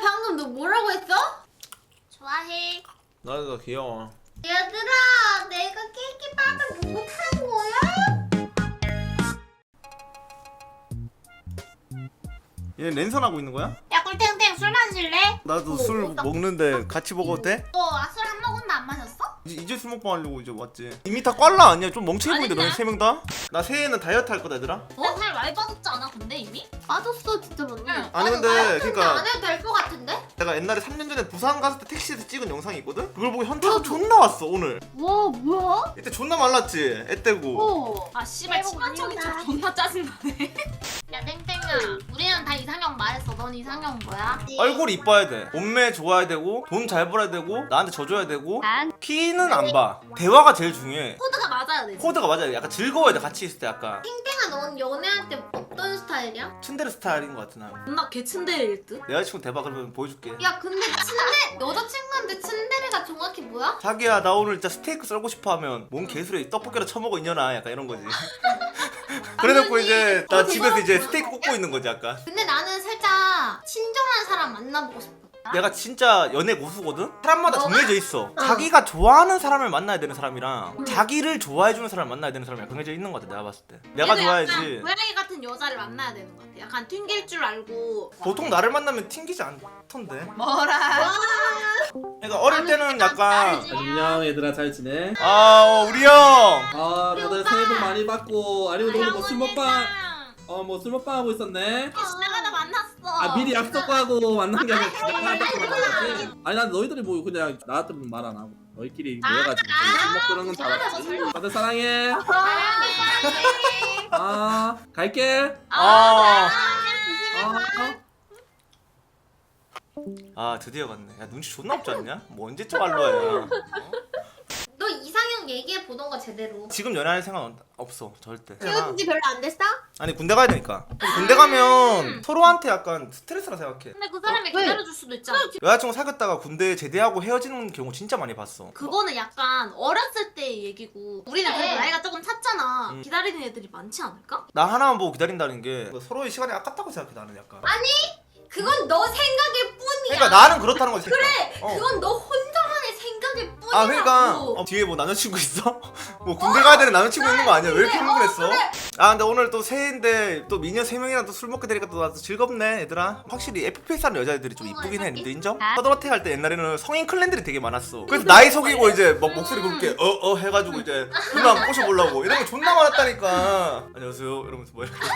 방금 너 뭐라고 했어? 좋아해. 나도 귀여워. 얘들아, 내가 케이크 빵을 보고 판 거야? 얘 랜선하고 있는 거야? 야 꿀탱탱 술 마실래? 나도 술 먹는데 같이 먹어도 돼? 술 한 모금도 안 마셨어? 이제 술 먹방 하려고 이제 왔지. 이미 다 꽐라 아니야? 좀 멍청해 보이는데 아니야. 너네 세 명 다? 나 새해에는 다이어트 할 거다 얘들아. 살 많이 빠졌지 않아 근데 이미? 빠졌어, 진짜 많이. 응. 아니 근데 그니까 안 해도 될 것 같은데? 내가 옛날에 3년 전에 부산 갔을 때 택시에서 찍은 영상이 있거든? 그걸 보고 현타가 존나 왔어 오늘. 와, 뭐야? 이때 존나 말랐지? 애 떼고. 아 씨발 치명적인 척 존나 짜증나네. 야 땡땡아 우리는 다 이상형 말했어. 넌 이상형 뭐야? 얼굴 이뻐야 돼. 몸매 좋아야 되고 돈 잘 벌어야 되고 나한테 져줘야 되고 키는 안 봐. 대화가 제일 중요해. 코드가 맞아야 돼. 코드가 맞아야 돼. 약간 즐거워야 돼. 같이 있을 때 약간 땡땡아, 넌 연애할 때 어떤 스타일이야? 츤데레 스타일인 것 같아 나. 존나 개친데일 듯? 내 여자친구 대박 그러면 보여줄게. 야, 근데 여자친구한테 츤데레가 정확히 뭐야? 자기야 나 오늘 진짜 스테이크 썰고 싶어 하면 뭔 개소리 떡볶이라 처먹어 있냐나 약간 이런 거지. 그래놓고 이제 나 집에서 이제 스테이크 굽고 있는 거지 약간. 근데 나는 살짝 친절한 사람 만나보고 싶어. 내가 진짜 연애 고수거든? 사람마다 정해져 있어. 자기가 좋아하는 사람을 만나야 되는 사람이랑 자기를 좋아해주는 사람을 만나야 되는 사람이 정해져 있는 것 같아 내가 봤을 때. 내가 얘도 좋아야지. 약간 고양이 같은 여자를 만나야 되는 것 같아. 약간 튕길 줄 알고. 보통 나를 만나면 튕기지 않던데. 뭐라? 그러니까 어릴 때는 약간 안녕 얘들아 잘 지내? 우리 형! 아 다들 새해 복 많이 받고 아니면 오늘 뭐술 먹방 뭐 술 먹방 하고 있었네? 지나가다 만났어. 아 미리 약속하고 만난 게 아니라 지나가다 만났지? 아니 난 너희들이 뭐 그냥 나한테는 말 안 하고 너희끼리 모여가지고 술 먹고 그런 건 잘 알았지. 다들 사랑해. 아 갈게. 드디어 갔네. 야 눈치 존나 없지 않냐? 뭐 언제쯤 알로야. 너 이상형 얘기해 보던가 제대로. 지금 연애할 생각 없어 절대. 헤어진 지 별로 안 됐어? 아니 군대 가야 되니까. 군대 가면 서로한테 약간 스트레스라 생각해. 근데 그 사람이 왜? 기다려줄 수도 있잖아. 여자친구 사귀었다가 군대 제대하고 헤어지는 경우 진짜 많이 봤어. 그거는 약간 어렸을 때의 얘기고 우리는 그래. 그래도 나이가 조금 찼잖아. 기다리는 애들이 많지 않을까? 나 하나만 보고 기다린다는 게 서로의 시간이 아깝다고 생각해 나는 약간. 그건 너 생각일 뿐이야. 그러니까 나는 그렇다는 거지. 그래, 어. 그건 너 혼자만의 생각일 뿐이라고. 아 그러니까 뒤에 뭐 남자친구 있어? 뭐 군대 가야 되는 남자친구 있는 거 아니야? 왜 이렇게 흥분했어? 아 근데 오늘 또 새해인데 또 미녀 3명이랑 또 술 먹게 되니까 또 나도 즐겁네 얘들아. 확실히 FPS 하는 여자애들이 좀 이쁘긴 해. 니들 인정? 서든어택 할 때 옛날에는 성인 클랜들이 되게 많았어. 그래서 나이 속이고 이제 막 목소리 그렇게 해가지고 이제 누나 꼬셔보려고 이런 거 존나 많았다니까. 안녕하세요 이러면서 뭐 이렇게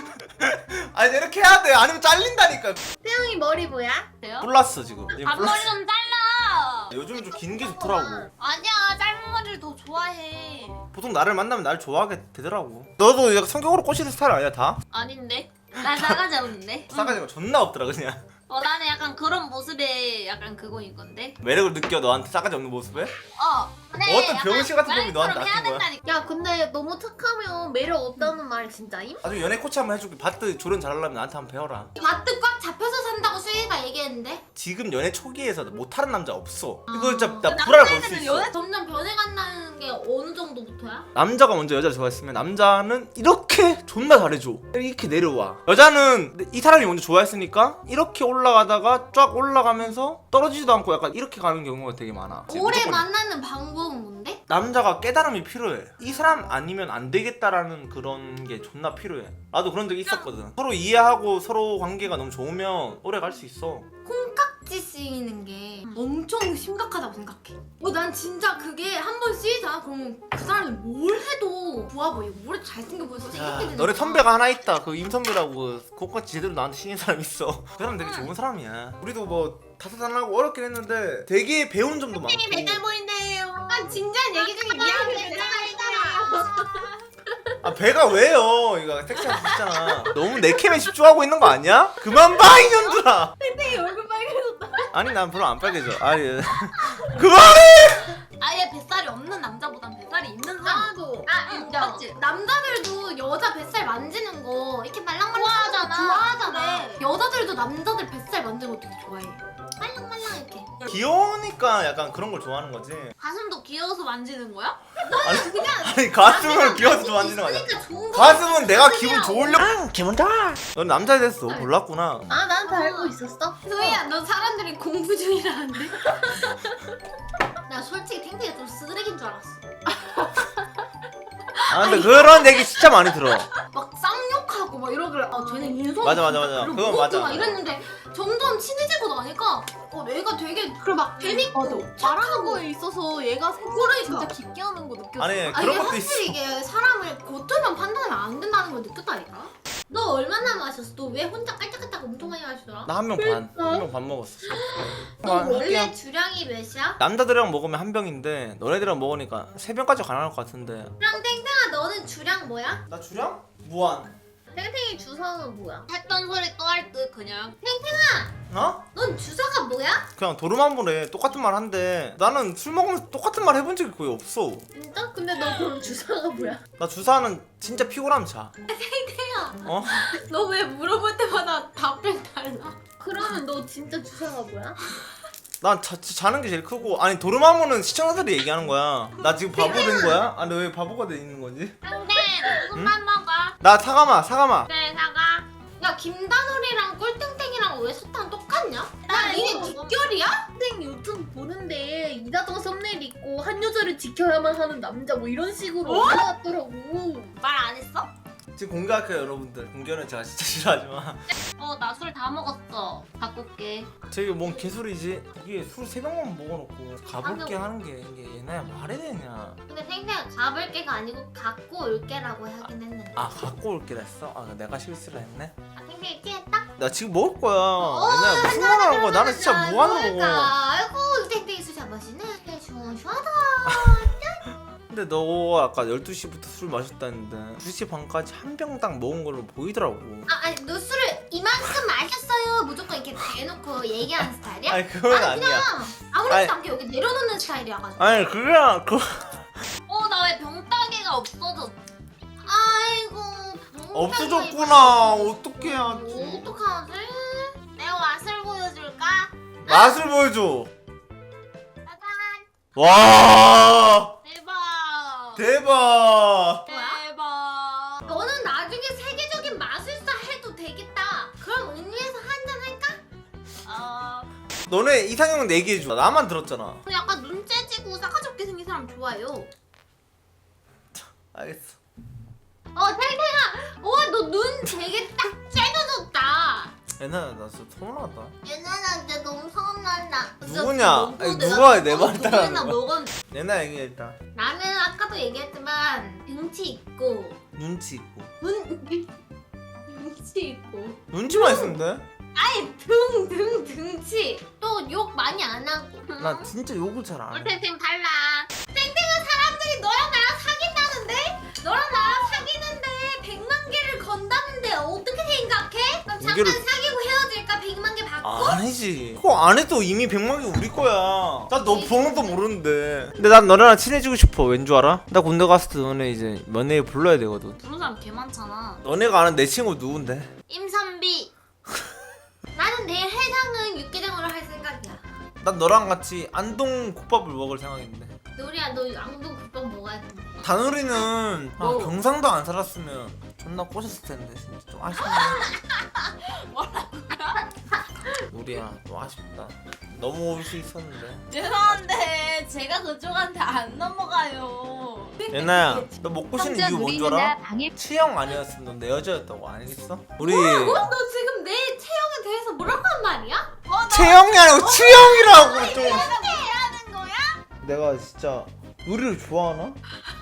아니 이렇게 해야 돼. 아니면 잘린다니까. 태영이 머리 뭐야? 돼요? 몰랐어 지금. 지금 앞머리 몰랐어. 좀 잘라. 요즘은 좀 긴 게 좋더라고. 아니야 짧은 머리를 더 좋아해. 보통 나를 만나면 날 좋아하게 되더라고. 너도 약간 성격으로 꼬시는 스타일 아니야 다? 아닌데? 나 싸가지 없는데? 싸가지가 존나 없더라 그냥. 나는 약간 그런 모습에 약간 그거인 건데. 매력을 느껴 너한테 싸가지 없는 모습에? 근데 어떤 약간 병신 같은 놈이 너한테 고양이처럼 해야 낚인 거야? 된다니까. 야, 근데 너무 착하면 매력 없다는 말 진짜임? 나중에 연애 코치 한번 해줄게. 바트 조련 잘하려면 나한테 한번 배워라. 바트 꽉 잡혀서 산다고 수희가 얘기했는데? 지금 연애 초기에서 못하는 남자 없어. 이거 진짜 나 불알 걸 수 있어. 점점 변해간다는 게 어느 정도부터야? 남자가 먼저 여자를 좋아했으면 남자는 이렇게 존나 잘해줘. 이렇게 내려와. 여자는 이 사람이 먼저 좋아했으니까 이렇게 올라가다가 쫙 올라가면서 떨어지지도 않고 약간 이렇게 가는 경우가 되게 많아. 오래 무조건 만나는 방법은 뭔데? 남자가 깨달음이 필요해. 이 사람 아니면 안 되겠다라는 그런 게 존나 필요해. 나도 그런 적이 있었거든. 서로 이해하고 서로 관계가 너무 좋으면 오래 갈 수 있어. 콩깍지 씌이는 게 엄청 심각하다고 생각해. 난 진짜 그게 한 번 씌이잖아. 그러면 그 사람이 뭘 해도 좋아 보이고 뭘 해도 잘생겨 보여서 야, 이렇게 되는 너네 거야. 선배가 하나 있다. 그 임선배라고 그것까지 제대로 나한테 신인 사람 있어. 그 사람 되게 좋은 사람이야. 우리도 뭐 다사다난하고 어렵긴 했는데 되게 배운 점도 많고. 배달 보인대요. 진지한 얘기 중에 미안해. 아 배가 왜요? 이거 섹시한 거 있잖아. 너무 내 캠에 집중하고 있는 거 아니야? 그만 봐 이년들아. 땡땡이 얼굴 빨개졌다. 아니 난 별로 안 빨개져. 아니 그만해. 아예 뱃살이 없는 남자보단 뱃살이 있는 사람. 나도 인정. 맞지? 남자들도 여자 뱃살 만지는 거 이렇게 말랑말랑 좋아하잖아. 좋아하잖아. 그래. 여자들도 남자들 뱃살 만지는 거 되게 좋아해. 말랑말랑 이렇게. 귀여우니까 약간 그런 걸 좋아하는 거지. 가슴도 귀여워서 만지는 거야? 아니 가슴을 귀여워서 좋아하는 거 아니야. 그러니까 좋은 거. 가슴은 내가 기분 좋으려고. 기분 좋아. 넌 남자 됐어. 몰랐구나. 아, 난 다 알고 있었어. 소희야, 너 사람들이 공부 중이라는데? 나 솔직히 탱탱이가 좀 쓰레기인 줄 알았어. 아 근데 그런 얘기 진짜 많이 들어. 막 쌍욕하고 막 이러길래 쟤는 인성 맞아. 그건 맞아. 막 이랬는데 점점 친해지고 나니까 얘가 되게 막 재밌고 말하는 거에 있어서 얘가 생각을 그러니까. 진짜 깊게 하는 거 느꼈어. 아니 이게 그런 것도 있어. 확실히 이게 사람을 겉으로만 판단하면 안 된다는 걸 느꼈다니까. 너 얼마나 마셨어? 너 왜 혼자 깔짝깔짝 엄청 많이 마시더라? 나 한 명 반. 한 명 반 먹었어. 너 아, 원래 할게요. 주량이 몇이야? 남자들이랑 먹으면 한 병인데 너네들이랑 먹으니까 세 병까지 가능할 것 같은데. 그럼 땡땡아 너는 주량 뭐야? 나 주량? 무한. 땡땡이 주사는 뭐야? 했던 소리 또 할 듯 그냥. 어? 넌 주사가 뭐야? 그냥 도루만보네. 똑같은 말 한데 나는 술 먹으면서 똑같은 말 해본 적이 거의 없어. 진짜? 근데 너 그럼 주사가 뭐야? 나 주사는 진짜 피곤하면 자. 땡땡아 어? 너 왜 물어볼 때마다 답변 달라? 그러면 너 진짜 주사가 뭐야? 난 자는 게 제일 크고. 아니 도루마무는 시청자들이 얘기하는 거야. 나 지금 바보 된 거야? 아니 왜 바보가 돼 있는 거지? 근데 무슨만 먹어? 나 사과마. 그래 사과. 야 김다솔이랑 꿀땡땡이랑 왜 사탕 똑같냐? 야 니네 이거 뒷결이야? 땡 유튜브 보는데 이다정 썸네일 있고 한 여자를 지켜야만 하는 남자 뭐 이런 식으로 올라왔더라고. 말 안 했어? 지금 공개할게요 여러분들. 공개는 제가 진짜 싫어하지만 나 술 다 먹었어. 갖고 올게. 저게 뭔 개소리지? 이게 술 3병만 먹어놓고 가볼게 하는 게 이게 얘네야 말이 되냐. 근데 땡땡아 가볼게가 아니고 갖고 올게라고 하긴 했는데 아 갖고 올게 했어? 아 내가 실수를 했네. 아 땡땡이 취했다? 나 지금 먹을 거야. 얘네야 무슨 말 하는 거야. 나는 진짜 무한으로 먹어. 아이고 땡땡이 술 잡아시네 시원시원하다. 근데 너 아까 12시부터 술 마셨다는데 2시 반까지 한 병당 먹은 걸로 보이더라고. 아니 너 술을 이만큼 마셨어요 무조건 이렇게 대놓고 얘기하는 스타일이야? 아니 그건 아니야. 그냥 아무렇지도 아니. 않게 여기 내려놓는 스타일이야가지고 아니 그냥 그 나 왜 병따개가 없어졌어? 아이고 없어졌구나. 어떻게 해야지? 어떡하지? 내가 맛을 보여줄까? 맛을 보여줘. 짜잔. 와 대박. 대박. 대박. 너는 나중에 세계적인 마술사 해도 되겠다. 그럼 은유에서 한잔 할까? 너네 이상형은 얘기해줘. 나만 들었잖아. 약간 눈 째지고 싸가지 없게 생긴 사람 좋아해요. 알겠어. 탱탱아, 너 눈 되게 딱 째져졌다. 얘네 나 진짜 서운하다. 얘네나 이제 너무 서운한다. 누구냐? 아니, 누가 내 말을 따라하는 거야? 먹은. 얘네 얘기해 일단. 나는 아까도 얘기했지만 등치 있고 눈치 있고. 눈치 있고. 눈치만 있으면 아니 등치. 또 욕 많이 안 하고. 돼? 나 진짜 욕을 잘 안 해. 꿀탱탱 달라. 사람들이 너랑 나랑 사귄다는데? 너랑 나랑 사귀는데 100만 개를 건다는데 어떻게 생각해? 그럼 잠깐 개를- 사귀고 헤어질까? 100만 개 받고? 아니지. 그거 안 해도 이미 100만 개 우리 거야. 나 너 번호도 모르는데. 근데 난 너네랑 친해지고 싶어. 왠 줄 알아? 나 군대 갔을 때 너네 이제 연예에 불러야 되거든. 부른 사람 개 많잖아. 너네가 아는 내 친구 누군데? 임선비. 나는 내일 해장은 육개장으로 할 생각이야. 난 너랑 같이 안동 국밥을 먹을 생각인데. 노리야 너 양도 국밥 먹어야 돼. 다누리는 뭐? 경상도 안 살았으면 존나 꼬셨을 텐데 진짜 좀 아쉽네. 우리야 좀 아쉽다. 너무 올 수 있었는데. 죄송한데 제가 그쪽한테 안 넘어가요. 예나야 너 먹고 싶은 이유 뭔 줄 알아? 치영 아니었으면 넌 내 여자였다고 알겠어? 우리 너 지금 내 체형에 대해서 뭐라고 한 말이야? 채영이 아니고 치영이라고 좀. 하는 거야? 내가 진짜 우리를 좋아하나?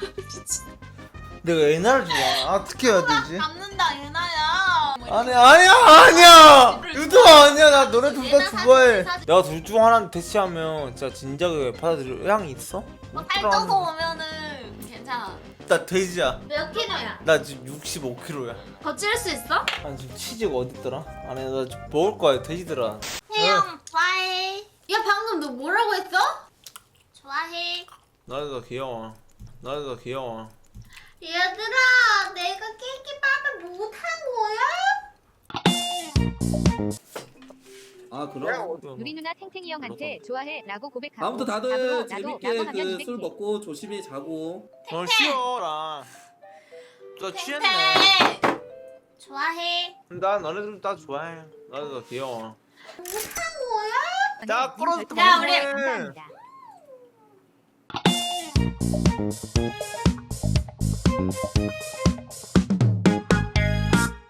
내가 예나를 좋아하나? 어떻게 해야 되지? 잡는다 유나야. 아니야 유도 아니야. 나 너네 둘 다 예나 좋아해. 사진. 내가 둘 중 하나는 대시하면 진짜 진작에 받아들일 의향이 있어? 살쪄서 오면은 괜찮아. 나 돼지야. 몇 킬로야? 나 지금 65kg야. 더 찌를 수 있어? 아니 지금 치즈가 어딨더라? 아니 나 지금 먹을 거야 돼지들아. 태영 좋아해. 야 방금 너 뭐라고 했어? 좋아해. 나도 귀여워. 나도 귀여워. 얘들아 내가 깨끼밥을 못한 거야? 아 그럼. 누리 누나 탱탱이 형한테 좋아해 라고 고백하고 아무튼 다들 답으로 나도 재밌게 라고 하면 그 술 200개. 먹고 조심히 자고. 쉬어라. 저 취했네. 탱탱 좋아해. 나 너네들 다 좋아해. 나도 너 귀여워. 언니, 자, 님 끌어줘, 별풍선 야, 우리. 감사합니다.